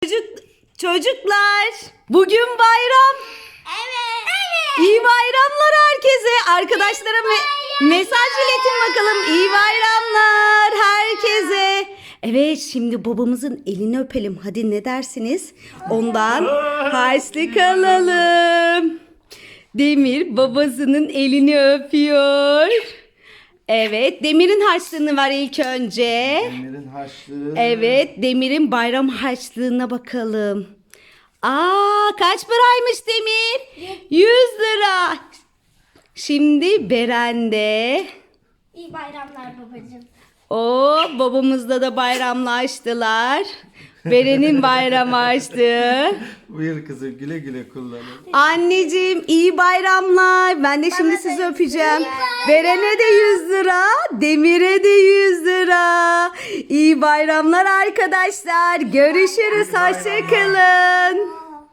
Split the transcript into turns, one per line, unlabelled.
Çocuklar, bugün bayram.
Evet.
İyi bayramlar herkese. Arkadaşlara mesaj iletin bakalım. İyi bayramlar herkese. Evet, şimdi babamızın elini öpelim. Hadi ne dersiniz? Ondan harçlık alalım. Demir babasının elini öpüyor. Evet, Demir'in harçlığını ver ilk önce.
Demir'in harçlığı.
Evet, Demir'in bayram harçlığına bakalım. Kaç paraymış Demir? 100 lira. Şimdi Beren'de.
İyi bayramlar babacığım.
Babamızla da bayramlaştılar. Beren'in bayram harçlığı.
Buyur kızım, güle güle kullanın.
Anneciğim iyi bayramlar. Ben de şimdi sizi öpeceğim. Beren'e de 100 lira. Demir'e de 100 lira. İyi bayramlar arkadaşlar. Görüşürüz. Hoşça kalın.